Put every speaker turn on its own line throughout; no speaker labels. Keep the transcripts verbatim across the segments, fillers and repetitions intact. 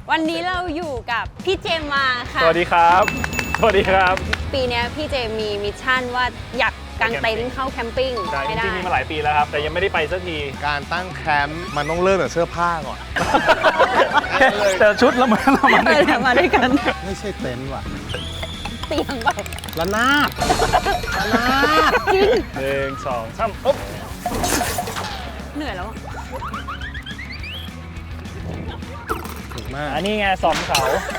วันนี้เราอยู่กับพี่เจมมาค่ะ
สวัสดีครับสวัสดีครับ
ปีนี้พี่เจมมีมิชชั่นว่าอยากกางเต็นท์เข้าแคมปิ้ง
ใช่จ
ให้ได้
ริงๆมีมาหลายปีแล้วครับแต่ยังไม่ได้ไปสักที
การตั้งแคมป์มันต้องเริ่มจากเสื้อผ้าก่อน
แต่ชุดแล้วมันเรามา
เออเดี๋ยวมาด้วยกัน
ไม่ใช่เต็นท์ว่ะ
เตียงไป
ระนาดระนาด
จริง
หนึ่งสองสามปุ๊บ
เหนื่อยแล้วอะ
ถูกมาก
อันนี้ไงสองเขา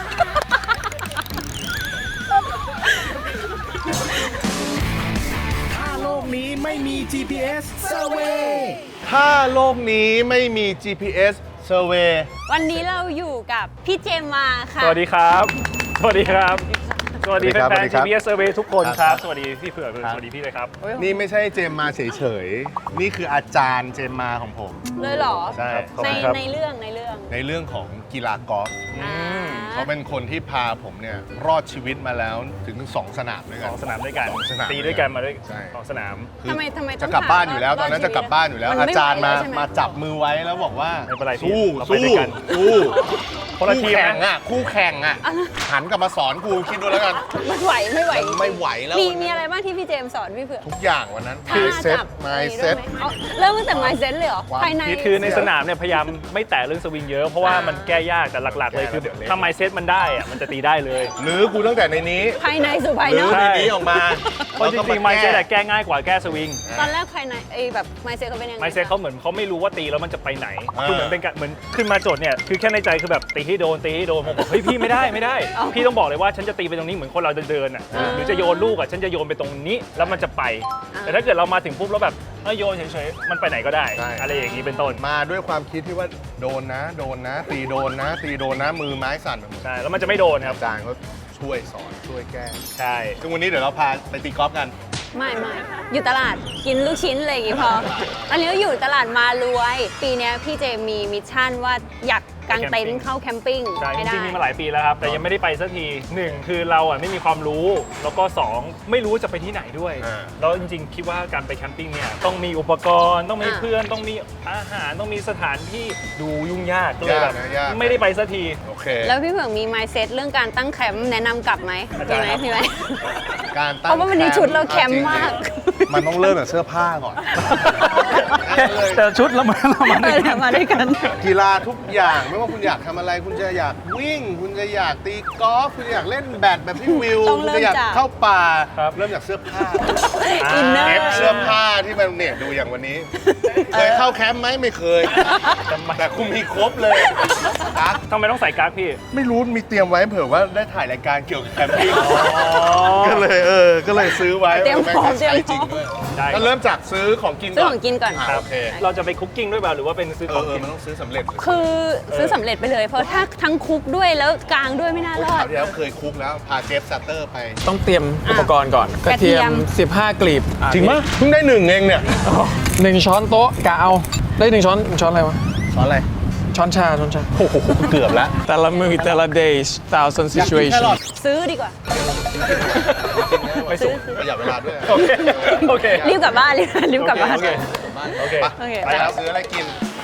ถ้าโลกนี้ไม่มี จี พี เอส Survey
ถ้าโลกนี้ไม่มี จี พี เอส Survey
วันนี้เราอยู่กับพี่เจมมาค่ะ
สวัสดีครับสวัสดีครับสวัสดี
สวัสดีครับ
แฟน
สวัสดี
ๆ
ครั
จี
บ
พี เอส Survey ทุกคน
ครับ
ครับ
ครับ
สวัสดีพี่เผือก
ครับ
สวัสดีพี่เลยครับ
นี่ไม่ใช่เจมมาเฉยๆ นี่คืออาจารย์เจมมาของผม
เลยเหรอ
ใช่
ขอบ
ใน
คุณครับ
ในเรื่องในเรื่อง
ในเรื่องของกีฬากอล์ฟ
อ่า
เขาเป็นคนที่พาผมเนี่ยรอดชีวิตมาแล้วถึงสองสนามด้วย
ส
กัน
องสนามด้วยกัน
สองสนาม
ตีด้วยกันมาด้วย
ใช่
สองสนาม
คือ
ทำไมทำไมต้
จะ
อง
กลับบ้านอยู่แล้ว
ถาม
ตอนนั้น
รอด
จะกลับบ้านอยู่แล้ว
มันไม่
อาจารย์มา
ไหวแล้วใช่ไหม
มาจับมือไว้แล้วบอกว่า
ไม่เป็นไรพี่
สู้
เราไป
สู้
ด้วยกัน
สู้
คนละทีม
แข่ง
นะ
อ่ะคู่แข่งอ่ะหันกลับมาสอนกูคิดดูแล้วกัน
มันไหวไม่ไหว
มันไม่ไหวแล้ว
มี
วันนั้น
มีอะไรบ้างที่พี่เจมสอนพี่เผือก
ทุกอย่างวันนั้น
ท่า
เซ็ต
จับ
ไม
อะไร
เซ็ต
ด้วยไหมเอาเริ่มตั้งแต่ไมเซ็ตเลยเหรอ
ความ
ภายใน
คือคือในสนามเนี่ยพยายามไม่แตะเรื่องสวิงเยอะเพราะว่า
อ่ามั
มันแก้ยากแต่หลักๆเลยคือ
แก้แล้วเดี๋ยวเละ
ถ้าไมเซ็ตมันได้อะมันจะตีได้เลย
หรือกูตั้งแต่ในนี้
ภายในสู่ภาย
หรื
น
อ
อก
ในนี้ออกมา
เพราะจริงๆไมเซ็ตแก้ง่ายกว่าแก้สวิง
ตอนแรกภายในไอ้แบบไมเซ็ตเขาเป็นยังไง
ไมเซ็ตเขาเหมือนเขาไม่รู้ว่าตีแล้วมันจะไปไหน
อ่า
คือเหมือนเป็นการเหมือนขึ้นมาโจทย์เนี่ยคือแค่ในใจคือแบบตีให้โดนตีให้โดนผมบอกเฮ้ยพี่ไม่ได้ไม่ได้ พี่ต้องบอกเลยว่าฉันจะตีไปตรงนี้เหมือนคนเราเดินๆอ่ะหรือจะโยนลูกอ่ะฉันจะโยนไปตรงนี้แล้วมันจะไป แต่ถ้าเกิดเรามาถึงปุ๊บแล้วแบบเอ้ยโยนเฉยๆมันไปไหนก็ได้ อะไรอย่างนี้เป็นต้น
มาด้วยความคิดที่ว่าโดนนะ โดนนะ ตีโดนนะ ตีโดนนะมือไม้สั่นไปหมด
ใช่แล้วมันจะไม่โดนครับ
อาจารย์เขาช่วยสอนช่วยแก้
ใช่
ซึ่งวันนี้เดี๋ยวเราพาไปตีกอล์ฟกัน
ไม่ไม่อยู่ตลาดกินลูกชิ้นอะไรอย่างงี้พอ อันนี้ก็อยู่ตลาดมารวย ปีนี้พี่เจมมีมิชชั่นว่าอยากกางเต็นท์เข้าแคมปิ้ง
ใช่จ
ให้ได้
ริงๆมีมาหลายปีแล้วครับแต่ยังไม่ได้ไปสักทีหนึ่งคือเราอ่ะไม่มีความรู้แล้วก็สองไม่รู้จะไปที่ไหนด้วย
อ่า
แล้วจริงๆคิดว่าการไปแคมปิ้งเนี่ยต้องมีอุปกรณ์ต้องมีเพื่อนต้องมีอาหารต้องมีสถานที่ดูยุ่งยากก็เลยแบบ
ยากนะยาก
ไม่ได้ไปสักที
โอเค
แล้วพี่เผือกมีไมเซ็ตเรื่องการตั้งแคมป์แนะนำกลับไหม
อา
มี
จารย์
ไหม
ครับ
มีไหม
การตั้ง
เพราะว่าวันนี้ชุดเราแคมป์มาก
จริงๆมันต้องเริ่มจากเสื้อผ้าก่อน
แต่ชุดแล้วมันเรามา
เออเดี๋ยวมาด้วยกัน
กีฬาทุกอย่างไม่ว่าคุณอยากทำอะไร คุณจะอยากวิ่ง คุณจะอยากตีกอล์ฟคุณจะอยากเล่นแบดแบบพี่วิว
ต้อง
คุณ
เริ่ม
จะอยาก
จาก
เข้าป่าเริ่มจากเสื้อผ้า
อินเนอ
เอฟ
ร์
เสื้อผ้าที่มันเนี่ยดูอย่างวันนี้ เคยเข้าแคมป์ไหมไม่เคย แต่คุณมีครบเลยกั๊ก
ทำไมต้องใส่กั๊กพี่
ไม่รู้มีเตรียมไว้เผื่อว่าได้ถ่ายรายการเกี่ยวกับแคมปิ้งก็เลยเออก็เลยซื้อไว้
เตรียมพร้อม
แงก็ใช้จริงด้วย
ได้ครับ
ก็เริ่มจากซื้อของกิน
ซื้อของกินก่อน
อ่ะโอเค
เราจะไปคุกกิ้งด้วยเปล่าหรือว่าเป็นซื้อ
เอ
ขอ
อง เออ
กิน
มันต้องซื้อสำเร็จเลย
คือซื้อสำเร็จไปเลย เพราะถ้าทั้งคุกด้วยแล้วกลางด้วยไม่น่า
โอ้ย
รอ
ครา
ด
วที่แล้วเคยคุกแล้วพาเจฟซัตเตอร์ไป
ต้องเตรียมอุปกรณ์ก่อน ก
ก
ระ
ระเที
เทีย
ย
ม
ม
สิบห้ากลีบ
จริงปะเพิ่งได้หนึ่งเองเนี่ย
หนึ่งช้อนโต๊ะกะเอา ได้หนึ่งช้อนช้อนอะไรวะ
สอนอะไร
ช้อนชาช้อนชา
โอ้โหเกือบแล้ว
แต่ละมือแต่ละ days thousand
อยากกินแค
situation
รอท
ซื้อดีกว่า
ไม่สุก
ประหยัดเวลาด้วย
โอเคโอเค
รีบกลับบ้านรีบรีบกลับบ้าน
โอเค โอเค
ไป
โอเค
ไปแล้วซื้ออะไรกิน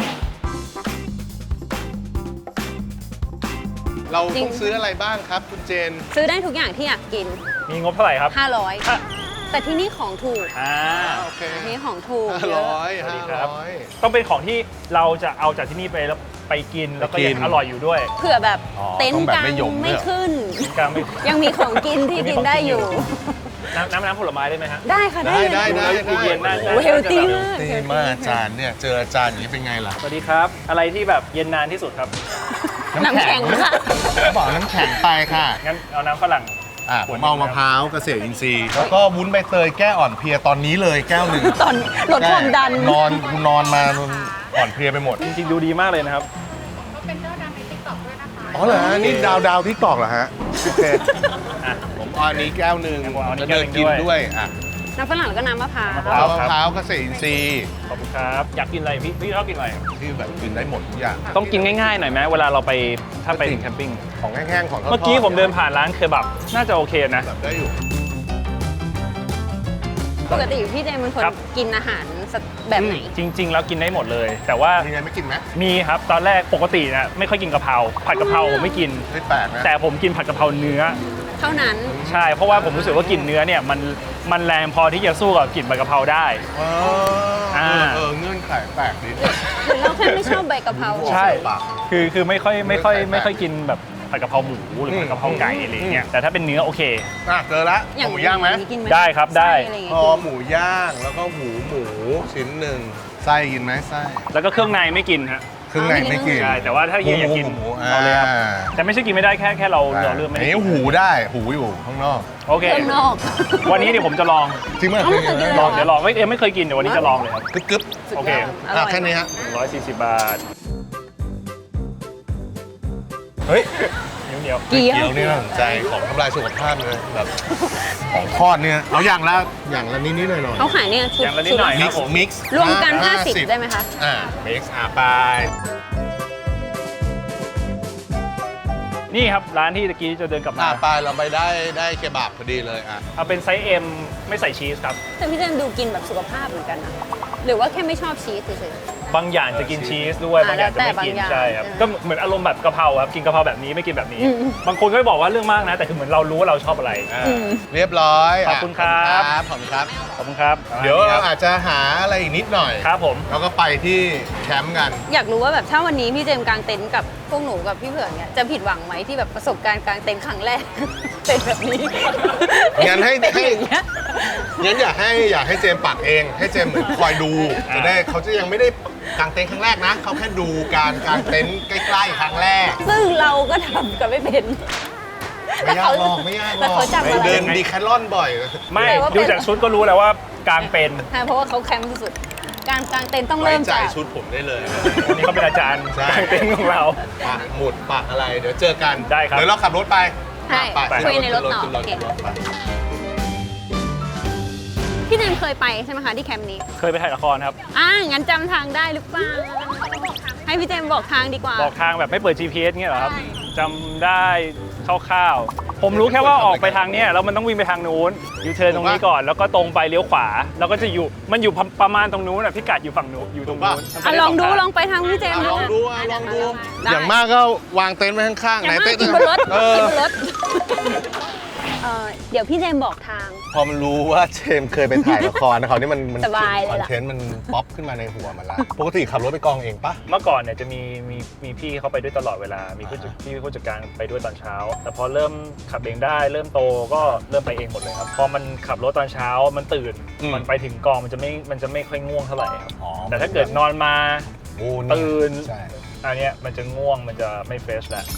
เรา
จริง
ต้องซื้ออะไรบ้างครับคุณเจน
ซื้อได้ทุกอย่างที่อยากกิน
มีงบเท่าไหร่ครับ
ห้าร้อย
อ่ะ
แต่ที่นี่ของถูก
อ่า
โอเค
ที่นี่ของถูก
ห้า
เย
ร้อ
อะ
ย
สวัส
ห้า
ดีครับ
ร้อย
ต้องเป็นของที่เราจะเอาจากที่นี่ไปแล้วไปกินแล้วก็
ไปกิ
ยั
น
งอร่อยอยู่ด้วย
เผื่อแบบ
อ๋อ
เต็น
ต้อ
ท์
งแบบ
กลาง
ไม่หยม
ไม่
ด้วยเหรอ
ขึ้น
กลางไม่
ยังมีของกินที่กินได้อยู่
น้ำน้ำน้ำผลไม้ได้ไหมฮะ
ได้ค่ะ ได้
ได้ได้
เลย
ได้
เย็นๆน่า
โอ้เฮลตี้มาก
ดีมากอาจารย์เนี่ยเจออาจารย์อย่างนี้เป็นไงล่ะ
สวัสดีครับ อะไรที่แบบเย็นนานที่สุดครับ
น้ำแข็งค่ะ
บอกน้ำแข็งไปค่ะ
งั้นเอาน้ำฝรั่ง
อ่ะผมเอามะพร้าวเกษตรอินทรีย์แล้วก็วุ้นใบเตยแก้อ่อนเพลียตอนนี้เลยแก้วหนึ่ง
ตอนลดความดัน
นอนกูนอนมาอ่อนเพลียไปหมด
จริงๆดูดีมากเลยนะครับ
อ๋อเหรอฮะนี่ดาวดาวที่ตอกเหรอฮะโอเค
อ่ะ
ผมเอาอันนี้แก้วหนึ่ง
ผมเอาอันนี้
แล้วเดินกิน
แก้วหนึ่งด้วย
ด้วยอ่ะ
น้ำฝรั่งแล้วก็น้ำมะพร้าว
น้ำมะพ
เอา
ร้าว
มะพร้าวเกษตรอินทรีย์
ขอบคุณครับ อยากกินอะไรพี่พี่ชอบกินอะไร
ที่แบบกินได้หมดทุกอย่าง
ต้องกินง่ายๆหน่อยไหมเวลาเราไปถ้าไป
จริง
แคมปิ้ง
ของแห้งๆของทอดๆ
เมื่อกี้ผมเดินผ่านร้านเคบับน่าจะโอเคนะ
แบบได้อยู่
ปกติพี่เจมเป็นคน
ครับ
กินอาหารแบบไหน
จริง ๆ แล้วกินได้หมดเลย แต่ว่า
มีไงไม่กินไหม
มีครับตอนแรกปกตินะไม่ค่อยกินกะเพราผัดกะเพราผมไม่กิน
ไม่แปลกนะ
แต่ผมกินผัดกะเพราเนื้อ
เท่านั้น
ใช่เพราะว่าผมรู้สึกว่ากลิ่นเนื้อเนี่ยมันมันแรงพอที่จะสู้กับกลิ่นใบกะเพราได้
อ๋อ
อ่า
เออเงื่อนไขแปลกดี
หรือเราแค่ไม่ชอบใบกะเพรา
ใช่
ปาก
คือคือไม่ค่อยไม่ค่อย
ไม่
ไม่
ค่
ค่
อ
อย ยกินแบบผัดกะเพราหมูหรือผัดกะเพราไก่อะไรอย่างเงี้ยแต่ถ้าเป็นเนื้อโอเค
อ่ะเจอละ
อย่าง
หมูย่างไหม
กินไหม
ได้ครับได้
ส้อะรอย่าง
พ
เงี้
อย หมูย่างแล้วก็หูหมูชิ้นหนึ่งไส้กินไหมไส้
แล้วก็เครื่องในไม่กินฮะ
เครื่องในไม่กิน
ใช่แต่ว่าถ้าเฮียอยากกิน
หมู
เอาเลยครับ
อ่า
แต่ไม่ใช่กินไม่ได้แค่แค่เราเราเลือกไม่
อัน
ได้
นี้
กิน
หูได้หูอยู่ข้างนอก
โอเค
เครื่องนอก
วันนี้เดี๋ยวผมจะลอง
จริงไหม
เอาไม่เคยกินเลย
ลองเดี๋ยวลองไม่เอ็มไม่เคยกินเดี๋ยววันนี้จะลองเลยครับ
กึ๊บกึ๊บ
สุดย
โอเค
อดอร่
อ่ะ
อย
แค่นี้ฮะ
หนึ่งร้อยสี่สิบบาท
เฮ้ย
เหนียวเหนียว
เกี๊ยว
เกี๊ยวนี่น่าสนใจของทำลายสุขภาพเลยแบบของทอดเนี่ยเอาอย่างละอย่างละนิดนิดหน่อยหน่อย
เขาขายเนี่ยชุด
อย่างละนิดหน่อย
มิ
ค
ก
รับผม
ซ์มิกซ์
รวมกันห้าสิบได้ไหมคะ
อ่ามิกซ์อ่ะไป
นี่ครับร้านที่ตะกี้จะเดินกลับมา
อ่ะไปเราไปได้ได้เคบับพอดีเลยอ่ะ
เอาเป็นไซส์ M ไม่ใส่ชีสครับ
แต่พี่เจนดูกินแบบสุขภาพเหมือนกันนะหรือว่าแค่ไม่ชอบชีสเฉย
บางอย่างจะกินชีสด้วย
อ่า
บางอย่างจะไม่กิน
แล้วแต่บางอย่าง
ใช่ครับ
เออ
ก็เหมือนอารมณ์แบบกะเพราครับกินกะเพราแบบนี้ไม่กินแบบนี้
อืม
บางคนก็บอกว่าเรื่องมากนะ แต่คือเหมือนเรารู้ว่าเราชอบอะไร
อ่ะ
อืม
เรียบร้อย
ขอบคุณครับ
ขอบคุณครับ
ขอบคุณครับ
เดี๋ยว
ค
เรา
รับ
อาจจะหาอะไรอีกนิดหน่อย
ครับผม
แล้วก็ไปที่แคมป์กัน
อยากรู้ว่าแบบถ้าวันนี้พี่เจมส์กางเต็นท์กับพวกหนูกับพี่เผือกเนี่ยจะผิดหวังไหมที่แบบประสบการณ์กางเต็นท์ครั้งแรก เป็นแบบนี้
งั้นให้
เป็น
ให้
อย่างเงี้ย
งั้นอยากให้อยากให้เจมส์ปักเอง ให้เจมส์เหมือนคอยดู จะได้เขาจะยังไม่ได้กางเต็นท์ครั้งแรกนะ เขาแค่ดูการกางเต็นท์ใกล้ๆครั้งแรก
ซึ่งเราก็ทำกันไม่เป็น
ไม่ยากหรอกไม่ยากหร
แต่
อก
เขาจับอะไร
เดินดีแคทลอนบ่อย
ไม่
แต่ว่าเป็น
ดูจากชุดก็รู้แล้วว่ากลางเป็น
ใช่เพราะว่าเขาแคมป์สุดๆการกางเต็นท์ต้อง
ไว้
เริ่ม
ใจ
จาก
ชุดผมได้เลย
วันนี้เขาเป็นอาจารย์
ใช่
กลางเต็นท์ของเรา
ปักหมุดปักอะไร เดี๋ยวเจอกัน
ได้ครับ
เดี๋ยวเราขับรถไป
ใช่
ไป
คุยในรถต่อ
ขึ้นรถ
โอเค
ขึ้นรถไป
พี่เจมส์เคยไปใช่ไหมคะที่แคมป์นี้
เคยไปถ่ายละครครับ
อ่างั้นจำทางได้หรือเปล่าให้พี่เจมส์บอกทางดีกว่า
บอกทางแบบไม่เปิด จี พี เอสเงี้ยเหรอครับ
ใช่
จำได้คร่าวๆผมรู้แค่ว่าออกไปทางเนี้ยแล้วมันต้องวิ่งไปทางนู้นยูเทิร์นตรงนี้ก่อนแล้วก็ตรงไปเลี้ยวขวา แล้วก็จะอยู่มันอยู่ประมาณตรงนู้นอ่ะพิกัดอยู่ฝั่งนู้นอยู่ตรงนู้น
อ่ะลองดูลองไปทางพี่เจมส์
อ่ะลองดูอ่ะลองดู
ได้
อย่างมากก็วางเต็นท์ไว้ข้างๆ
อย่างมาก
เต็นท์
กินบนรถ
เออ
กินบนรถเอ่อเดี๋ยวพี่เจมส์บอกทาง
พอมันรู้ว่าเจมส์เคยไปถ่ายละครนะเขาวนี่มันมัน
สบายเลย
คอน
ล่ะ
เทนต์มันป๊อปขึ้นมาในหัวมันละปกติขับรถไปกองเองปะ
เมื่อก่อนเนี่ยจะมีมีมีพี่เขาไปด้วยตลอดเวลา มีผู้จัดพี่ผู้จัดการไปด้วยตอนเช้า แต่พอเริ่มขับเองได้ เริ่มโตก็เริ่มไปเองหมดเลยครับ พอมันขับรถตอนเช้ามันตื่น มันไปถึงกองมันจะไม่มันจะไม่ค่อยง่วงเท่าไหร่ครับ
อ๋อ
แต่ถ้าเกิดนอนมา
โอ้
ตื่น
ใช่
อันเนี้ยมันจะง่วงมันจะไม่เฟรชแล้ว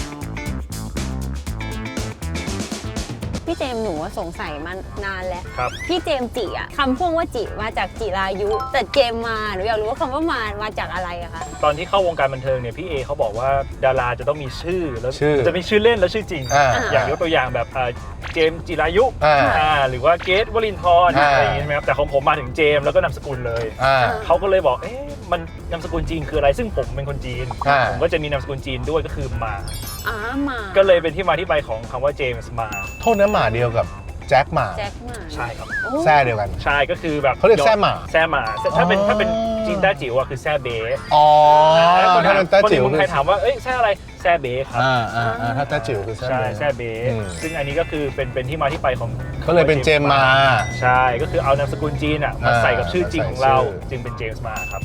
พี่เจมส์หนูว่าสงสัยมานานแล้ว
ครับ
พี่เจมส์จิอะคำพ่วงว่าจิมาจากจิรายุ แต่เจมส์มาหนูอยากรู้ว่าคำว่ามามาจากอะไรอะคะ
ตอนที่เข้าวงการบันเทิงเนี่ยพี่เอเขาบอกว่าดาราจะต้องมีชื่อแล้ว
ชื่อ
จะมีชื่อเล่นและชื่อจริง
อ่า
อย่างยกตัวอย่างแบบเอ่อเจมส์จิรายุ
อ่า
อ่าหรือว่าเกตวลินทร์
อ่า
อะไรอย่างงี้ใช่ไหมครับแต่ของผมมาถึงเจมส์แล้วก็นามสกุลเลย
อ่า
เขาก็เลยบอกเอ๊ะมันนามสกุลจีนคืออะไรซึ่งผมเป็นคนจีน
อ่า
ผมก็จะมีนามสกุลจีนด้วยก็คือมา
อ๋อมา
ก็เลยเป็นที่มาที่ไปของคำว่าเจมส์มา
โทษนะหมาเดียวกับแจ็คหมา
แจ็คมา
ใช่ครับ
โอ้
แซ่เดียวกัน
ใช่ก็คือแบบ
เขาเรียกแซ่หมา
แซ่หมาถ้าเป็น
อ๋อ
ถ้าเป็นจีนแต้จิ๋วอะคือแซ่เบ๋
อ๋อ
แล้วคน
ถ้า
ถาม
เป็นแต้
คน
จิ๋
ใน
ว
เมืองไทยถามว่าเอ้ยแซ่อะไรแซ่เบ๋ครับ
อ่าอ่าอ่าถ้าแต้จิ๋วคือแซ่
ใช่
เบ๋
แซ่เบ๋
อืม
ซึ่งอันนี้ก็คือเป็นเป็นที่มาที่ไปของ
ก็เลยเป็นเจมส์มา
ใช่ก็คือเอานามสกุลจีนอะมา
อ่า
ใส่กับชื่อจริงของเรา
ใส่ชื่อ
จึงเป็นเจมส์มาครับ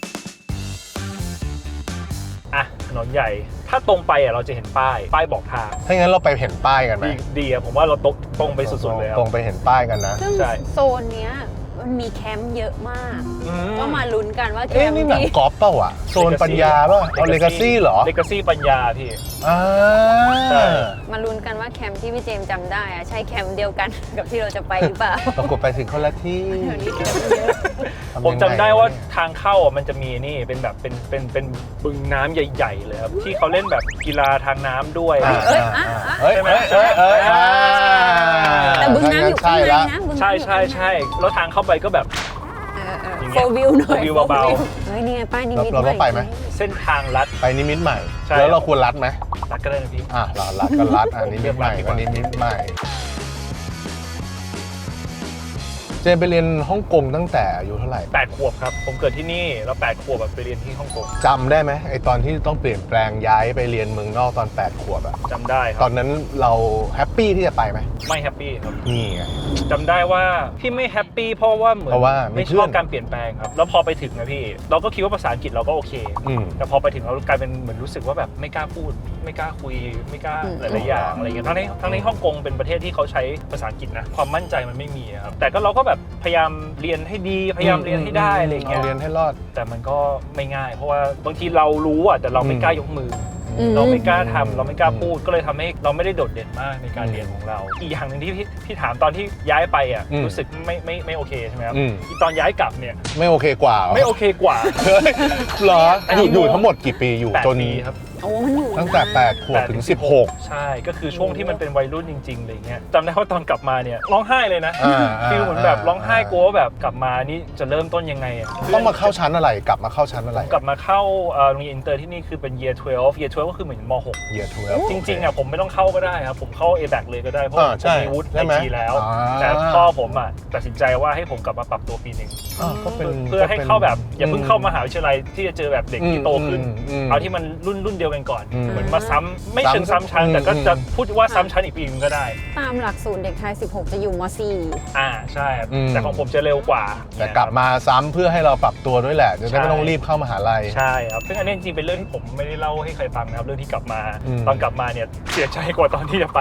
อ่ะถนนใหญ่ถ้าตรงไปอะเราจะเห็นป้ายป้ายบอกทาง
ถ้างั้นเราไปเห็นป้ายกันไหม
ดีดีอะผมว่าเราตรงตรงไปสุดๆเลยครับ
ตรงไปเห็นป้ายกันนะ
ซึ่ง
ใช่
โซนเนี้ยมันมีแคมป์เยอะมาก
อื
ก็มาลุ้นกันว่าแค
เอ๊ะ
มป์
นี่หนัง
ที่
กอล์ฟเปล่าวะโซนปัญญาเปล่าเอาเลกาซี่เหรอ
เลกาซี่ปัญญาพี่
อ่า
ใช่
มาลุ้นกันว่าแคมป์ที่พี่เจมส์จำได้อะใช่แคมป์เดียวกัน กับที่เราจะไปหรือเปล่า
ปรากฏไปถึงคนละที่
เดี๋ยวนี้แคมป์เยอะ
ทำยังง
ผมจำได้ว่าทางเข้าอ่ะมันจะมีนี่เป็นแบบเป็นเป็นเป็นบึงน้ำใหญ่ ๆ เลยครับที่เขาเล่นแบบกีฬาทางน้ำด้วย
อ่า
เอ้ย
อ่า
อ่ะอ่ะ
เอ้ยเอ้ยเอ้ยเอ้ยอ่า
แต่บึงน้ำอยู่ข้างใน
ใช่ละ
นะบึงน้ำ
ใช่
อยู่
ใช่
ข้างใน
ใช่แล้วทางเข้าไปก็แบบ
โฟวิวหน่อย
โฟวิวเบา
เฮ้ยนี่ไงป้ายนิมิต
เราต้องไปไหม
เส้นทางลัด
ไปนิมิตใหม่
ใช่
แล้วเราควรรัดไหม
ลัดก็ได้นะพี่
อ่ะเรารัดก็รัดอ่ะนิมิตใหม่
เลือกรัดดีก
ก็
ว่า
นิมิตใหม่เจมไปเรียนฮ่องกงตั้งแต่อายุเท่าไหร่
แปดขวบครับผมเกิดที่นี่แล้วแปดขวบแบบไปเรียนที่ฮ่องกง
จำได้ไหมไอตอนที่ต้องเปลี่ยนแปลงย้ายไปเรียนเมืองนอกตอนแปดขวบอะ
จำได้ค
ต
รั
อบ นนั้นเราแฮปปี้ที่จะไปไหม
ไม่แฮปปี้ครับ
นี่ไง
จำได้ว่าพี่ไม่แฮปปี้เพราะว่าเหมือน
เพราะว่าไม่
ไม่
เพื่
ช
อน
อบการเปลี่ยนแปลงครับแล้วพอไปถึงนะพี่เราก็คิดว่าภาษาอังกฤษเราก็โอเค
อืม
แต่พอไปถึงเรากลายเป็นเหมือนรู้สึกว่าแบบไม่กล้าพูด ไม่กล้าคุยไม่กล้า
อืม
หลายๆอย่างอะไรอย่างเงี้ยทั้งในทั้งในฮ่องกงเป็นประเทศที่เขาใช้ภาษาอังกฤษนะความมั่นใจมันไม่มีอะครับแต่ก็เราก็แบบพยายามเรียนให้ดีพยายามเรียนให้ได้อะไรอย่างเงี้ย
เรียนให้รอด
แต่มันก็ไม่ง่าย เพราะว่าบางทีเรารู้อ่ะแต่เราไม่
อืม
กล้ายกมืออ
ม
เราไม่กล้าทำเราไม่กล้าพูดก็เลยทำให้เราไม่ได้โดดเด่นมากในการเรียนของเรา อีกอย่างหนึ่งที่พี่พี่ถามตอนที่ย้ายไปอ่ะ
อืม
รู้สึกไม่ไม่ไม่โอเคใช่ไหมครับ
อืม
อีตอนย้ายกลับเนี่ย
ไม่โอเคกว่าเหรอ
ไม่โอเคกว่า
เฮ้ยเหรอ
อัน
อ
นี้
ยู่อยู่ทั้งหมดกี่ปีอยู่
แปด
จน
ปีครับ
โอ้มันอยู่
ตั้งแต่
นะ
แปดขวบถึงสิบหก
ใช่ก็คือช่วงที่มันเป็นวัยรุ่นจริงๆอะไรเงี้ยจำได้ว่าตอนกลับมาเนี่ยร้องไห้เลยนะ
อ่าอ่า
ฟีลเหมือนแบบร้องไห้กลัวว่าแบบกลับมานี่จะเริ่มต้นยังไงอ่ะ
ต้องมาเข้าชั้นอะไรกลับมาเข้าชั้นอะไร
กลับมาเข้าเอ่อโรงเรียนอินเตอร์ที่นี่คือเป็น year สิบสอง year สิบสองก็คือเหมือนม หก
เยียร์ทเวล
จริงๆอ่ะผมไม่ต้องเข้าก็ได้ครับผมเข้า เอ แบค เลยก็ได้เพราะ
อ่า
ผม
ใช่
มีวุฒิ
ใช่
ไอ
ไหม
ทีแล้ว
อ่า
แต่พ่อผมอ่ะตัดสินใจว่าให้ผมกลับมาปรับตัวปีหนึ่ง
อ่าก็เป็น
เพื่อให้
ก็ป็น
เข้าแบบอย่าเพิ่งเข้ามหาวิทยาลัยที่จะเจอแบบเด็กที่โตขึ้น
อืมอืม
เอาที่มันรุ่นรุ่นเดียวกันก่อน
อืม
เหมือนมาซ้ำไม่เชิง
ซ้ำ
ซ้ำชั้น
อืม
แต่ก็จะ
อืม
พูดว่าซ้ำชั้นอีกปีนึงก็ได้
ตามหลักสูตรเด็กไทย สิบหก จะอยู่ม สี่
อ่าใช่ครับ
อืม
แต่ของผมจะเร็วกว่า
แต่กลับมาซ้ำเพื่อให้เราปรับตัวด้วยแหละจะได้ไม่ต้องรีบเข้ามหาลัย
ใช่ครับซึ่งอันนี้จริงๆเป็นเรื่องที่ผมไม่ได้เล่าให้ใครฟังนะครับเรื่องที่กลับมา
อืม
ตอนกลับมาเนี่ยเสียใจกว่าตอนที่จะไป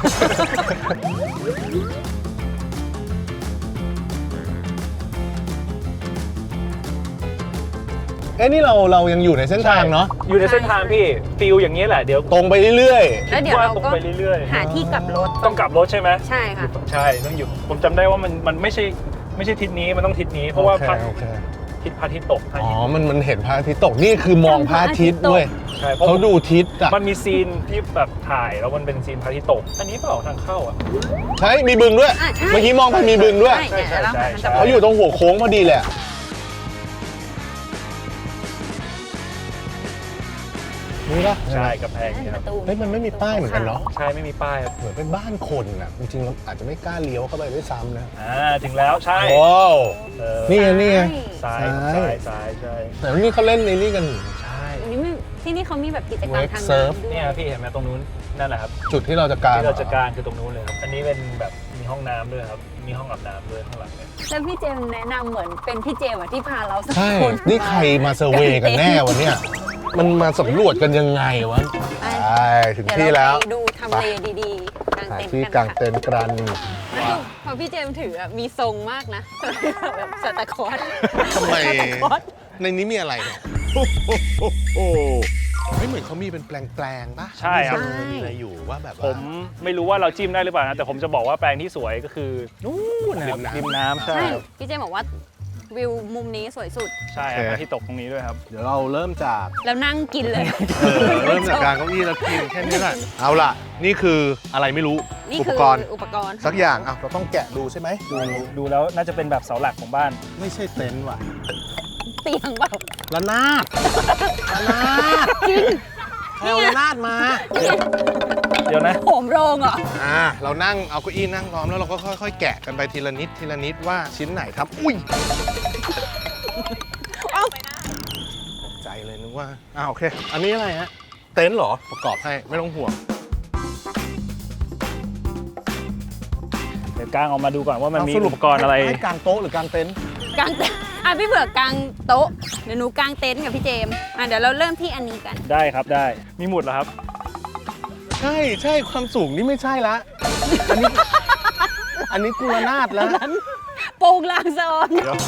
เอ้นี่เราเรายังอยู่ในเส้นทางเนาะ
อยู่ในเส้นทางพี่ฟิลอย่างนี้แหละเดี๋ยว
ตรงไปเรื่อย
แล้วเดี๋ยวเรา
ตรง
ก็
ไปเรื่อย
หาที่กลับรถ
ๆต้องกลับรถใช่ไหม
ใช่ค่ะ
ใช่ต้องอยู่ผมจำได้ว่ามันมันไม่ใช่ไม่ใช่ทิศนี้มันต้องทิศนี้
ๆ
เพราะว่า
โอเค
พระ
โอเค
ทิศพระอาทิตย์ตกพระอา
อ๋อ
ทิตย์
มันมันเห็นพระอาทิตย์ตกนี่คือมองพระอาทิตย์ด้วย
ใช่เพราะ
เขาดูทิศอ่ะ
มันมีซีนที่แบบถ่ายแล้วมันเป็นซีนพระอาทิตย์ตก อันนี้เปล่าทางเข้าอ่ะ
ใช่มีบึงด้วย
อ่ะใช่
เมื่อกี้มองไปมีบึงด้วย
ใช่เนี่ยแล้ว
ใช่
มัน
ใช่
จะ
เขาอยู่ตรงหัวโค้งพอดีแหละนี่ปะ
ใช่กำแพงนี่ครับ
เฮ้ยมันไม่มีป้ายเหมือนกันเนาะ
ใช่ไม่มีป้ายครับ
เหมือนเป็นบ้านคนอ่ะจริงๆเราอาจจะไม่กล้าเลี้ยวเข้าไปด้วยซ้ำนะ
อ่าถึงแล้วใช่
ว้าว
เออ
นี่ไงนี่ไง
ซ้าย
ซ้าย
ซ้ายซ้ายใช่
แต่นี่เขาเล่นในนี่กัน
ใช่
อันนี้ไม่ที่นี่เขามีแบบกิจกรรม
Wake
ทาง
surf
น้ำด้วย
เนี่ยพี่เห็นไหมตรงนู้นนั่นแหละครับ
จุดที่เราจะการ
ที่เราจะการคือตรงนู้นเลยครับอันนี้เป็นแบบมีห้องน้ำด้วยครับมีห้องอาบน้ำด้วยข้างหลังเนี่ย
แล้วพี่เจมส์แนะนำเหมือนเป็นพี่เจมส์อะที่พาเราสัก
ใช่
คน
นี่ใครมาเซอร์เวย์กันแน่วันเนี้ยมันมาสำรวจกันยังไงวะใช่ถึง
เดี๋ยว
ที่
เรา
แล้ว
ไปดูทำเลดีๆกาง
หา
เต็นท์
ที่
กัน
กาง
ค่ะ
เต็นท์กัน
พอพี่เจมส์ถืออะมีทรงมากนะแบบสตาร์คอร์ส
ทำไม
สตาร์คอร์ส
ในนี้มีอะไรเนี่ยไม่เหมือนเขามีเป็นแปลงๆป่ะ
ใช่ครับ
มีอะไรอยู่ว่าแบบ
ผ
ว่า
มไม่รู้ว่าเราจิ้มได้หรือเปล่านะแต่ผมจะบอกว่าแปลงที่สวยก็คือนู่นนะครับ
ริ
ริ
ม
ม
น้ำ
น้ำใช่
ใช่
ครับ
พี่เจมส์บอกว่าวิวมุมนี้สวยสุด
ใช่ครับพระอาที่ตกตรงนี้ด้วยครับ
เดี๋ยวเราเริ่มจาก
แล้วนั่งกินเลย
เออเริ่มจากการเก้าอี้แล้วกินแค่นี้แหละเอาล่ะ นี่คืออะไรไม่รู้
นี่
อุป
คือก
รณ์
อุปกรณ์
สักอย่างอ่ะเราต้องแกะดูใช่ไหมดู
ดูแล้วน่าจะเป็นแบบเสาหลักของบ้าน
ไม่ใช่เต็นท์ว่ะ
เตียงเปล่า
ระนาดระนาด
จริง
แเอาระนาดมา
เดี๋ยวนะ
โหมโรงเหรอ
อ่าเรานั่งเอาเก้าอี้นั่งล้อมแล้วเราก็ค่อยๆ แกะกันไปทีละนิดทีละนิดว่าชิ้นไหนครับอุ้ย
เอ้า
ตกใจเลยนึกว่าอ้าวโอเค อันนี้อะไรฮะเต็นท์เหรอประกอบให้ไม่ต้องห่วง
เดี๋ยวกางออกมาดูก่อนว่ามันมี
เาส
อุปกรณ์อะไร
ให้กางโต๊ะหรือกางเต็นท์
กางเต็นท์อ่ะพี่เผือกกางโต๊ะเดี๋ยวหนูกางเต็นท์กับพี่เจมส์อ่ะเดี๋ยวเราเริ่มที่อันนี้กัน
ได้ครับได้มีหมุดเหรอครับ
ใช่ใช่ความสูงนี่ไม่ใช่ละอันนี้อันนี้กุลนาดแล้ว
โป่งลางซอน
เดี๋ยว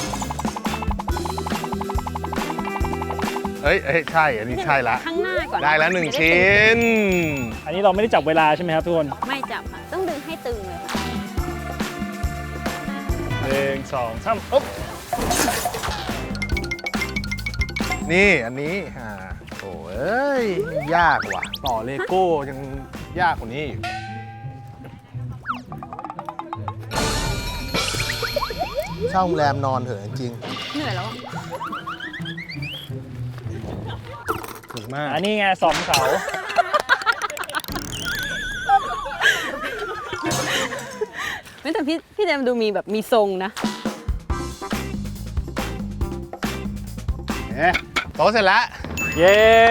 เอ้ยเอ้ยใช่อันนี้ใช่ละ
ข้างหน้าก่อน
ได้แล้วหนึ่งชิ้น
อันนี้เราไม่ได้จับเวลาใช่ไหมครับทุกคน
ไม่จับค่ะต้องดึงให้ตึงเลยค่ะ
หนึ่งสองสามอ๊บ
นี่อันนี้อ่าโอ้เอ้ยยากว่ะ ต่อเลโก้ยังยากกว่านี้อีกเช่าโรงแรมนอนเถอะจริง
เหนื่อยแล้วอะ
ถูกมาก
อันนี้ไงสองเสา
ไม่แต่พี่พี่เจมส์ดูมีแบบมีทรงนะ
เอ๊ะโต๊ะเสร็จแล้ว
เย้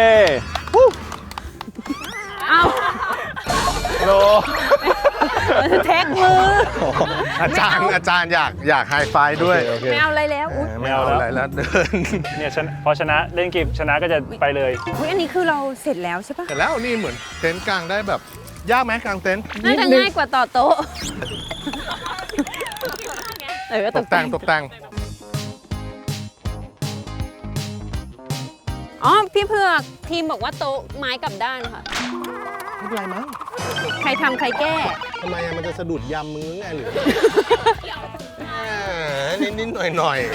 เอ้า
โล
แท็กมือ
อาจารย์อาจารย์อยากอยากไฮไฟว์ด้วย
ไม่เอาอะไรแล้วอุ๊ย
ไม่เอาอะไรแล้วเดิน
เนี่ยชนะพอชนะเล่นเกมชนะก็จะไปเลย
อุ๊ยอันนี้คือเราเสร็จแล้วใช่ปะ
เสร็จแล้วนี่เหมือนเต็นท์กลางได้แบบยากไหมกลางเต็นท์
น่าจะง่ายกว่าต่อโต๊ะเออ
ตกแต่งตกแต่ง
อ๋อพี่เผือกทีมบอกว่าโต๊ะไม้กลับด้านค่ะ
ไม่เป็นไรมั้ง
ใครทำใครแก้
ทำไมอะมันจะสะดุดยำมือไงหรือนิดนิดๆหน่อยหน่อย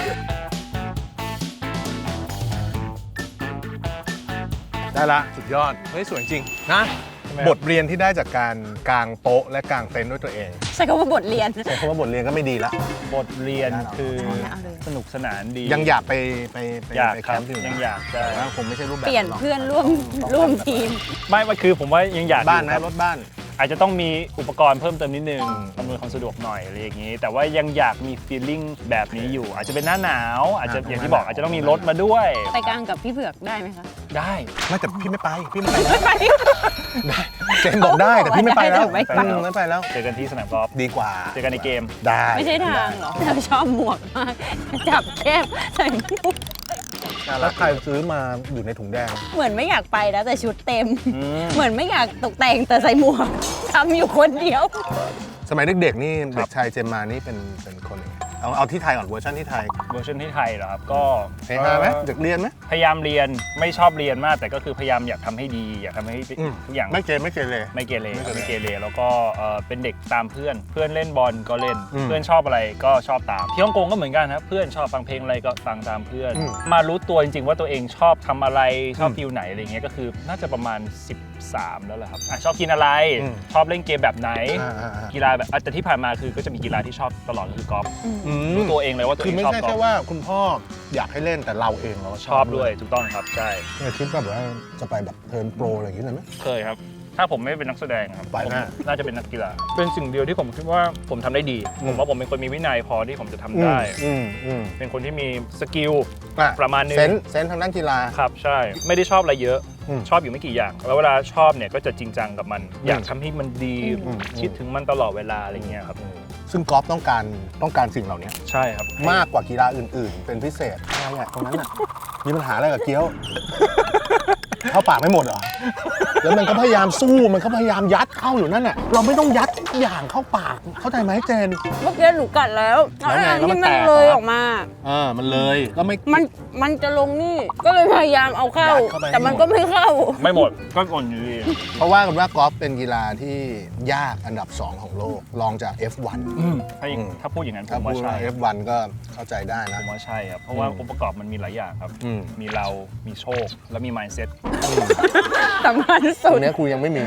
ๆได้ละสุดยอดเฮ้ยสวยจริงนะ
ใช่ไหม
บทเรียนที่ได้จากการกางโต๊ะและกางเต็นท์ด้วยตัวเอง
ใช้คำว่าบทเรียน
ใช้คำว่าบทเรียนก็ไม่ดีละ
บทเรียนคือ
เอาเลย
สนุกสนานดี
ยังอยากไปไปไป
อยาก
ไป
ค
แครับ มป์ที่อื่น
ยังอยากใช่
แต่ว่าคงไม่ใช่รูปแบบ
เปลี่ยน
หรอก
เพื่อนร่วมร่วมทีม
ไม่ว่าคือผมว่ายังอยาก
บ้านไหม
อยู่ค
ร
รับ
ถบ้าน
อาจจะต้องมีอุปกรณ์เพิ่มเติมนิดนึง
อืม
อำนวยความสะดวกหน่อยอะไรอย่างนี้ แต่ว่ายังอยากมีฟีลลิ่งแบบนี้อยู่ อาจจะเป็นหน้าหนาว อาจจะอย่างที่บอกอาจจะต้องมีรถมาด้วย
ไปกลางกับพี่เผือกได้ไหมคะ
ได้
ไม่แต่พี่ไม่ไปพี่ไม่ไป
ไม่ไป
เจนบอกได้แต่พี่ไม่ไปแล้ว
ไม่ไป
อืมไม่ไปแล้ว
เจอกันที่สนามกอล์ฟ
ดีกว่า
เจอกันในเกม
ได้
ไม่ใช่ทางเหรอเราชอบหมวกมาก จับแคบใส่หมวก
แล้วใครซื้อมาอยู่ในถุงแดง
เหมือนไม่อยากไปนะแต่ชุดเต็ม
อืม
เหมือนไม่อยากตกแต่งแต่ใส่หมวกทำอยู่คนเดียว
สมัยเด็กๆนี่เด็กชายเจมมานี่เป็นเป็นคนยังไงเอาเอาที่ไทยก่อนเวอร์ชันที่ไทย
เวอร์ชันที่ไทยเหรอครับ ก็
เฮฮาไหม
เอ่อ
เด็กเรียนไหม
พยายามเรียนไม่ชอบเรียนมาก แต่ก็คือพยายามอยากทำให้ดี อยากทำให้
อืม
ทุกอย่าง
ไม่เกเรไม่เกเร
ไม่เกเร
ไม่เกเร
ไม่เกเรแล้วก็เอ่อเป็นเด็กตามเพื่อน เพื่อนเล่นบอลก็เล่น
อืม
เพื่อนชอบอะไรก็ชอบตามที่ฮ่องกงก็เหมือนกันครับเพื่อนชอบฟังเพลงอะไรก็ฟังตามเพื่อน
อืม
มารู้ตัวจริงๆว่าตัวเองชอบทำอะไรชอบ
อืม
ฟิลไหนอะไรเงี้ยก็คือน่าจะประมาณสิบสามแล้วแหละครับอ่ะชอบกินอะไร
อืม
ชอบเล่นเกมแบบไหน
อ่าอ่าอ่า
กีฬาแบบอ่ะแต่ที่ผ่านมาคือก็จะมีกีฬาที่ชอบตลอดก็คือกอล์ฟ
อืม
รู้ตัวเองเลยว่าตัว
คื
เอ
อง ไม่
ชอบ
ใช่
กอ
แค่
ล์ฟ
ว่าคุณพ่ออยากให้เล่นแต่เราเองเราก็
ชอบด้วยถูกต้องครับใช่
เนี่ยคิดแบบว่าจะไปแบบเทิร์นโปรอะไรอย่างนี้เลยไหม
เคยครับ ถ้าผมไม่เป็นนักแสดงครับ
ไป
ผม
แน่
น่าจะเป็นนักกีฬา เป็นสิ่งเดียวที่ผมคิดว่าผมทำได้ดี
อืม
ผมว่าผมเป็นคนมีวินัยพอที่ผมจะทำได้
อืมอืม
เป็นคนที่มีสกิล
อ่
ประมาณนึง
เซนส์เซนส์ทางด้านกีฬา
ครับใช่ ไม่ได้ชอบอะไรเยอะ
อืม
ชอบอยู่ไม่กี่อย่าง แล้วเวลาชอบเนี่ยก็จะจริงจังกับมัน อยากทำให้มันดี
อืม
คิดถึงมันตลอดเวลาอะไรเงี้ยครับ
ซึ่งกอล์ฟต้องการต้องการสิ่งเหล่านี้
ใช่ครับ
มากกว่ากีฬาอื่นๆ เป็นพิเศษอะไรอะตรงนั้นอะมีปัญหาอะไรกับเกี๊ยว เข้าปากไม่หมดเหรอ แล้วมันก็พยายามสู้มันก็พยายามยัดเข้าอยู่นั่นแหละเราไม่ต้องยัดทุกอย่างเข้าปากเข้าใจไหมเจน
เมื่อกี้หนูกัดแล้ว
แล้วไงแล้วมัน
ที่
แต
มัน
ก
เลย
เหรอ
ออกมา
เออมันเลยแล้วไม่
มันมันจะลงนี่ ก็เลยพยายามเอาเข้า
ยัดเข้าไป
แต่มันก็ไม่เข้า
ไม่หมด ก็อ่อนอยู่ดี
เพราะว่ากันว่ากอล์ฟเป็นกีฬาที่ยากอันดับสองของโลกรองจาก เอฟ วัน
ถ้าอย่าง
อืม
ถ้าพูดอย่างนั้นผ
ถ้าม พู
ว่า
ด
ใช่
ว่า เอฟ วัน ก็เข้าใจได้
ผ
นะ
มว่าใช่ครับ เพราะว่า
อืม
องค์ประกอบมันมีหลายอย่างครับ
อืม
มีเรา มีโชค และมี mindset
สำคัญ
ต
สุ
ร
ด
งเนี้ยครูยังไม่มี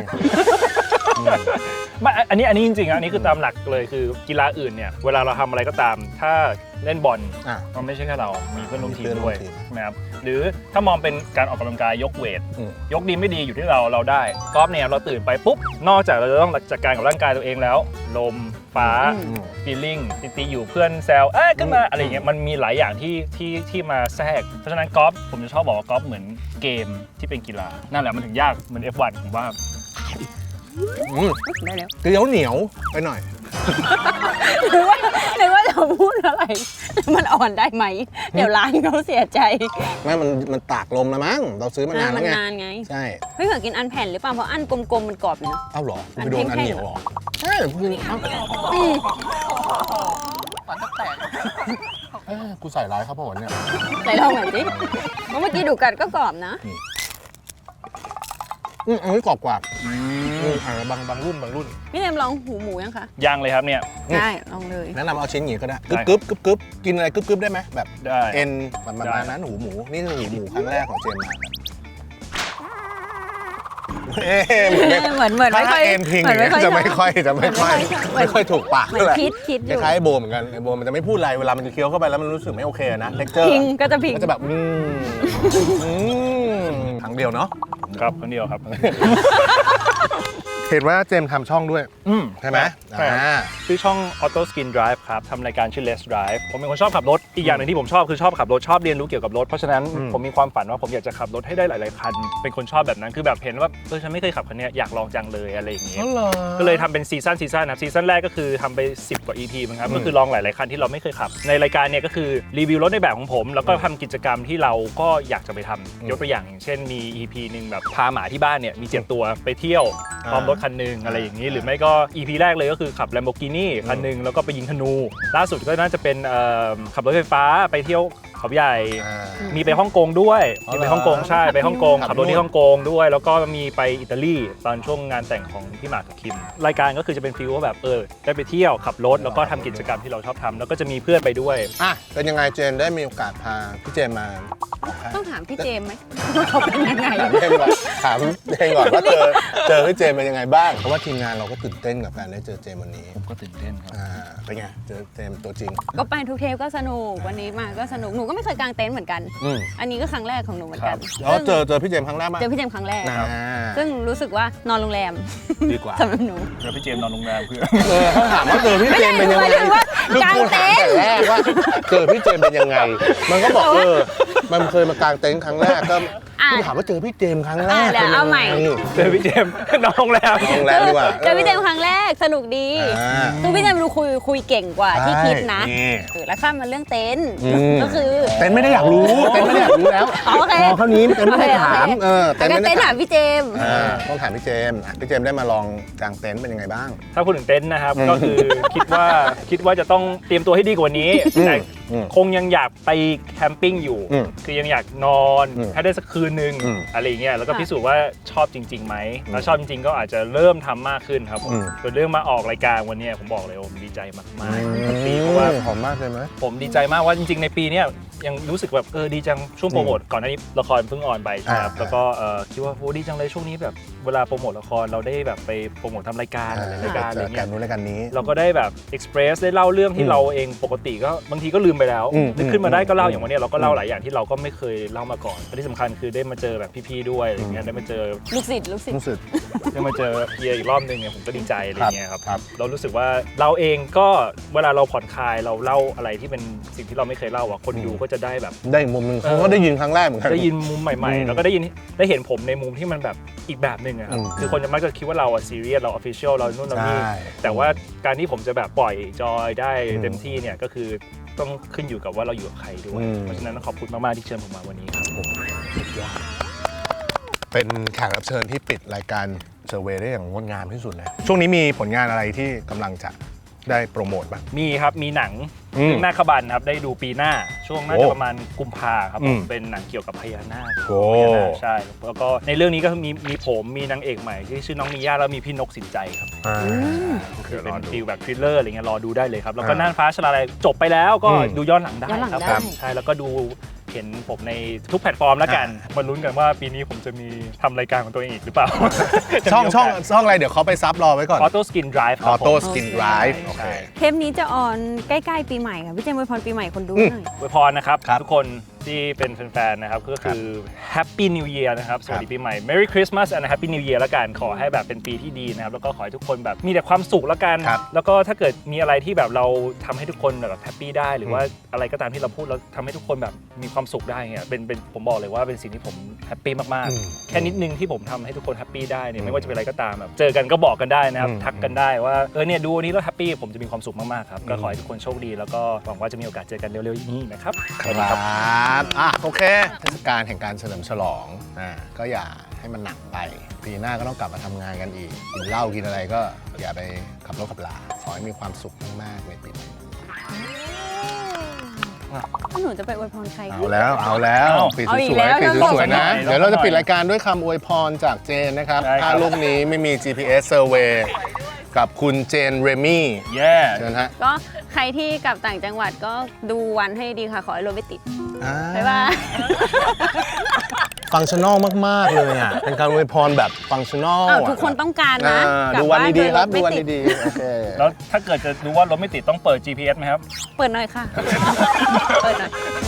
ไม่อันนี้อันนี้จริงๆอ่ะอันนี้คือตามหลักเลยคือกีฬาอื่นเนี่ยเวลาเราทำอะไรก็ตาม ถ้าเล่นบอล
อ่ะ
มันไม่ใช่แค่เรา มีเพื่อนร่วมทีม
มีเพื่อนร่
ด้
ว
วย
มทีม
ใช่ไหมครับหรือถ้ามองเป็นการออกกำลังกายยกเวท
อืม
ยกดีไม่ดีอยู่ที่เราเราได้กอล์ฟเนี่ยเราตื่นไปปุ๊บนอกจากเราจะต้องจัดการกับร่างกายตัวเองแล้ว ลมฟ้า
อืม
ฟีลลิ่งตีๆอยู่เพื่อนแซวเอ้ยขึ้นมาอะไรอย่างเงี้ยมันมีหลายอย่างที่ที่ที่มาแทรกเพราะฉะนั้นกอล์ฟผมจะชอบบอกว่ากอล์ฟเหมือนเกมที่เป็นกีฬานั่นแหละมันถึงยากเหมือน เอฟ วัน ผมว่า
อืม
ได้แล้ว
เกลียวเหนียวไปหน่อย
หรือว่าหรือว่าจะพูดอะไรแล้วมันอ่อนได้ไหม เดี๋ยวร้านเขาเสียใจ
ไม่มันมันตากลมแล้วมั้ง เราซื้อมานาน
มั
แล้วไง
นานไง
ใช่
เฮ้ยเผื่อกินอันแผ่นหรือเปล่าเพราะอันกลมๆมันกรอบอยู่นะ
เอ้าเหรอ
อั
ไป
น
โดนอัน
แห้งๆ
เหนียวเหรอใช่คุณเอ้า
อืม
เอ้ยกูใส่ร้ายครับผมเนี่ย
ไหนลองหน่อยสิเพราะเมื่อกี้ดูกัดก็กรอบนะ
อืมอันนี้กรอบกว่าอืมอ่าบางบางรุ่นบางรุ่น
พี่เนมลองหูหมูยังคะ
ยังเลยครับเนี่ย
อืม
ได้ลองเลย
แนะนำเอาชิ้นอย่างนี้ก็ได้
ได้
กึบกึบกึบกึบกินอะไรกึบกึบได้ไหมแบบ
ได้
เอ็นประมาณ
ได้
นั้นหูหมู นี่คือหูหมูครั้งแรกของเจมมาเอ๊ะเหมือนไม่
เหมือนเหมือนไม่
ถ้า
ค่อย
เอ็นพิง
เหมือนไม่ค่อย
จะไม่ค่อยจะไม่ค่อย
เหมือน
ไม่ค่อยถูกปาก
เหมือ
เท่าน ไหร่
คิดคิดอ
ค
ยู่
ล้ายๆไอ้โบเหมือนกันไอ้โบมันจะไม่พูดอะไรเวลามันจะเคี้ยวเข้าไปแล้วมันรู้สึกไม่โอเคนะเท็กเจอร์
พิงก็จะพิง
ก็จะแบบอืมอืมครั้งเดียวเนาะ
ครับคนเดียวครับ
เห็นว่าเจมส์ทำช่องด้วย
อืม
ใช่ไหม
ใช่ครับ
อ่า
ชื่อช่อง Auto Skin Drive ครับทำรายการชื่อ Let's Drive ผมเป็นคนชอบขับรถอีกอย่างหนึ่งที่ผมชอบคือชอบขับรถชอบเรียนรู้เกี่ยวกับรถเพราะฉะนั้น
อืม
ผมมีความฝันว่าผมอยากจะขับรถให้ได้หลาย ๆ คันเป็นคนชอบแบบนั้นคือแบบเห็นว่าเออฉันไม่เคยขับคันเนี้ยอยากลองจังเลยอะไรอย่างเงี้ย
อ๋อเหรอ
ก็เลยทำเป็นซีซั่นซีซั่นนะครับซีซั่นแรกก็คือทำไปสิบกว่า อี พี มั้งครับก็คือลองหลาย ๆ คันที่เราไม่เคยขับ ในรายการเนี่ยก็คือรีวิวรถในแบบของผม แล้วก็ทำกิจกรรมที่เราก็อยากจะไปทำยกตัวอย่างอย่างเช่นมี อี พี หนึ่งแบบพาหมาที่บ้านเนี่ยมีเจ็ดตัวไปเที่ยวพร้อมรถคันหนึงอะไรอย่างนี้ หรือไม่ก็ อี พี แรกเลยก็คือขับ Lamborghini คันหนึงแล้วก็ไปยิงธนู ล่าสุดก็น่าจะเป็นเอ่อขับรถไฟฟ้าไปเที่ยวเขาใหญ่
อ่า
มีไปฮ่องกงด้วย
อ๋อ
มี
เหรอ
ไปฮ่องกงใช่ไปฮ่องกง
ขับ
ขับรถ
นู่
ที่
น
ฮ่องกงด้วย แล้วก็มีไปอิตาลีตอนช่วงงานแต่งของพี่หมากกับคิม รายการก็คือจะเป็นฟีลว่าแบบเออได้ไปเที่ยวขับรถแล้วก็ทำกิจกรรมที่เราชอบทำแล้วก็จะมีเพื่อนไปด้วย
อ่ะเป็นยังไงเจนได้มีโอกาสพาพี่เจมมา
ต้องถามพี่เจมส์ไหมว่าเขาเป็นยังไง
ถามเจมก่อนถามเจมก่อนว่าเจอเจอพี่เจมเป็นยังไงบ้างเพราะว่าทีมงานเราก็ตื่นเต้นกับการได้เจอเจมวันนี้
ก็ตื่นเต้นครับ
อ่าเป็นไงเจอเจมตัวจริง
ก็ไปทุกเทปก็สนุกวันนี้มาก็สนุกหนูก็ไม่เคยกางเต็นท์เหมือนกัน
อืม
อันนี้ก็ครั้งแรกของหนูเหมือนกัน
แล้วเจอเจอพี่เจมครั้งแรกมั้ย
เจอพี่เจมส์ครั้งแรก
นะ
ซึ่งรู้สึกว่านอนโรงแรม
ดีกว่า
สำหรับหนู
เจอพี่เจมส์นอนโรงแรมเพื่อ
เออเขาถามว่าเจอพี่เจมเป็นยังไง
ไม่ได้หมายถึงว่ากางเต็นท์
คือกูถามแต่แรกว่าเจอพี่เจมเป็นยังไง มันก็บอกเออมันเคยมากางเต็นท์ครั้งแรกก็
อ่ะ
พี่ถามว่าเจอพี่เจมครั้งแรก
อ่ะเดี๋ยวเอาใหม่
ป็นยังไง
เจอพี่เจมส์นอนโรงแรม
โรงแรมดีกว่า
เจอพี่เจมส์ครั้งแรกสนุกดี
อ่า
คือพี่เจมส์ดูคุยคุยเก่งกว่าที่คิดนะ
ใช่นี่
เออแล้วข้ามมาเรื่องเต็นท์
อืม
ก็คือ
เต็นท์ไม่ได้อยากรู้เต็นท์ไม่ได้อยากรู้แล้ว
อ๋อโอเค
พอเขานี้เต็นท์ไม่ได้ถาม
โอเค
เออ
แล้วก็
ไม่
เต็
ได้
นท์
ถา
ถาม มพี่เจมส์
อ่าต้องถามพี่เจมส์อ่ะพี่เจมส์ได้มาลองกางเต็นท์เป็นยังไงบ้าง
ถ้าพูดถึงเต็นท์นะครับ
อืม
ก็คือคิดว่าคิดว่าจะต้องเตรียมตัวให้ดีกว่านี้
อืม
แต่
อืม
คงยังอยากไปแคมปิ้งอยู่
อืม
คือยังอยากนอน
อืม
ให้ได้สักคืนนึง
อืม
อะไรอย่างเงี้ยแล้วก็
ค่ะ
พิสูจน์ว่าชอบจริงๆไหมถ้าชอบจริงๆก็อาจจะเริ่มทำมากขึ้นครับผม
อืม
ส่วนเรื่องมาออกรายการวันเนี้ยผมบอกเลยว่าผมดีใจมากๆปีเพราะว่า
หอมมากเลยไหม
ผมดีใจมากว่าจริงๆในปีเนี้ยยังรู้สึกแบบเออดีจังช่วงโปรโมทก่อนหน้านี้ละครเพิ่งออนไปใช่ไหมครับ
อ่า
แล้วก็เออคิดว่าโอ้ดีจังเลยช่วงนี้แบบเวลาโปรโมทละครเราได้แบบไปโปรโมททำรายการอะไรรายการอะไร
เจอกั
เงี้
น
ย
นู้นรายการนี้
เราก็ได้แบบเอ็กซ์เพรสได้เล่าเรื่องที่
อืม
เราเองปกติก็บางทีก็ลืมไปแล้ว
อืม
นึกขึ้นมาได้ก็เล่าอย่างวันเนี้ยเราก็เล่า
อืม
หลายอย่างที่เราก็ไม่เคยเล่ามาก่อนและที่สำคัญคือได้มาเจอแบบพี่ๆด้วยอะไรเงี้ยได้มาเจอ
ลูกศิษย์ลูกศิษย์
รู้สึก
ได้มาเจอเฮียอีกรอบนึงเนี่ยผมก็ดีใจอะไรเงี้ยครับ
ครับ
เรารู้สึกว่าเราเองก็เวลาเราผ่อนคลายเราเล่าอะไรที่เป็นสิ่งที่เราไม่เคยเล่าอ่ะคนดูก็จะได้แบบ
ได้อีกมุมหนึงเขาก็ได้ยินครั้งแรกเหมือนกัน
ได้ยินมุมใหม่
อืม
ๆ แล้วก็ได้ยินได้เห็นผมในมุมที่มันแบบอีกแบบหนึ่งอะครับ
อืม
คือคนจะมักจะคิดว่าเราอะซีเรียสเราออฟฟิเชียลเรานู่นเรานี่
ใช่
แต่ว่าการที่ผมจะแบบปล่อยจอยได้
อืม
เต็มที่เนี่ยก็คือต้องขึ้นอยู่กับว่าเราอยู่กับใครด้วย
อืม
เพราะฉะนั้นขอบคุณมากๆที่เชิญผมมาวันนี้ครับ
เป็นแขกรับเชิญที่ปิดรายการเซอร์เวย์ได้อย่างงดงามที่สุดเลย ช่วงนี้มีผลงานอะไรที่กำลังจะได้โปรโมทบ้าง
มีครับมีหนัง
อืม
เรื่องหน้าขบันครับได้ดูปีหน้า ช่วงน่า
โอ้
จะประมาณกุมภาครับ
อื
ผม มเป็นหนังเกี่ยวกับพญานาค
โอ้
พญานาคใช่แล้วก็ในเรื่องนี้ก็มีมีผมมีนางเอกใหม่ที่ชื่อน้องมีย่าแล้วมีพี่นกสินใจครับ
อ่า
คือเป็น
รอดู
ฟีลแบบทริลเลอร์อะไรเงี้ยรอดูได้เลยครับ แล้วก็
อ่า
น่านฟ้าชลาลัยจบไปแล้วก็
อืม
ดูย้อนหลังได้
ย้อนหลัง
ครับ
ได้
ผมใช่แล้วก็ดูเห็นผมในทุกแพลตฟอร์มแล้วกัน
อ่
มาลุ้นกันว่าปีนี้ผมจะมีทำรายการของตัวเองอีกหรือเปล่า
ช่องช่องช่องอะไรเดี๋ยวเขาไปซับรอไว้ก่อน
ออโต้สกินไดรฟ์ค
อ
รั
อบ
ผม
โต้สกินไดรฟ์โอเค
ใช่
เทปนี้จะออนใกล้ๆปีใหม่ค่ะพี่เจมส์อวยพรปีใหม่คนดู
อืม
หน่อย
อวยพรนะครับ
ครับ
ทุกคนที่เป็นแฟนๆนะครับก็คือ Happy New Year นะครับสวัสดีปีใหม่ Merry Christmas and Happy New Year ละกันขอให้แบบเป็นปีที่ดีนะครับแล้วก็ขอให้ทุกคนแบบมีแต่ความสุขละกัน
ครับ
แล้วก็ถ้าเกิดมีอะไรที่แบบเราทำให้ทุกคนแบบแฮปปี้ได้หรือว่าอะไรก็ตามที่เราพูดแล้วทำให้ทุกคนแบบมีความสุขได้เนี่ยเป็นเป็นผมบอกเลยว่าเป็นสิ่งที่ผมแฮปปี้มาก
อืม
ๆ แค่นิดนึงที่ผมทำให้ทุกคนแฮปปี้ได้เนี่
อื
ย
ม
ไม่ว่าจะเป็นอะไรก็ตามแบบเจอกันก็บอกกันได้นะครับ
อืม
ทักกันได้ว่าเออเนี่ยดูวันนี้แล้วแฮปปี้ผมจะมีความสุขมากๆครับก็
อืม
ขอให้ทุกคนโชคดีแล้วก็หวังว่าจะมีโอกาสเจอกันเร็วๆนี้นะครับ
ครับอ่ะโอเคเทศกาลแห่งการเฉลิมฉลองอ่าก็อย่าให้มันหนักไปปีหน้าก็ต้องกลับมาทำงานกันอีกกินเหล้ากินอะไรก็อย่าไปขับรถขับลาขอให้มีความสุขมากๆในปีนี้
หนูจะไปอวยพรใคร
เอาแล้วเอาแล้ว
เอา
ปิด
เอาอี
ส
ก
วย
แล้ว
ๆปิด
จะบอก
สวยๆนะ
หน่อย
เดี๋ยวเราจะ
หน่อย
ปิดรายการด้วยคำอวยพรจากเจนนะครับ
ได้ครับ
ถ้าลูกนี้ไม่มี จี พี เอสSurvey กับคุณเจนเรมี่
แย่
เชิญฮะ
ก็ใครที่กลับต่างจังหวัดก็ดูวันให้ดีค่ะ ขอให้รถไม่ติด
อ่า
บ๊ายบาย
ฟังชั่นอลมาก ๆ เลยอ่ะ เป็นการอวยพรแบบฟังชั่นอล
อ้าวทุกคนต้องการนะ
ดูวันดีๆครับ
กลั
ดู
บ้า
วัน
โยถไม่ติ
ดีๆ โอเค
แล้วถ้าเกิดจะดูว่ารถไม่ติดต้องเปิด จี พี เอส ไหมครับ
เปิดหน่อยค่ะ เปิดหน่อย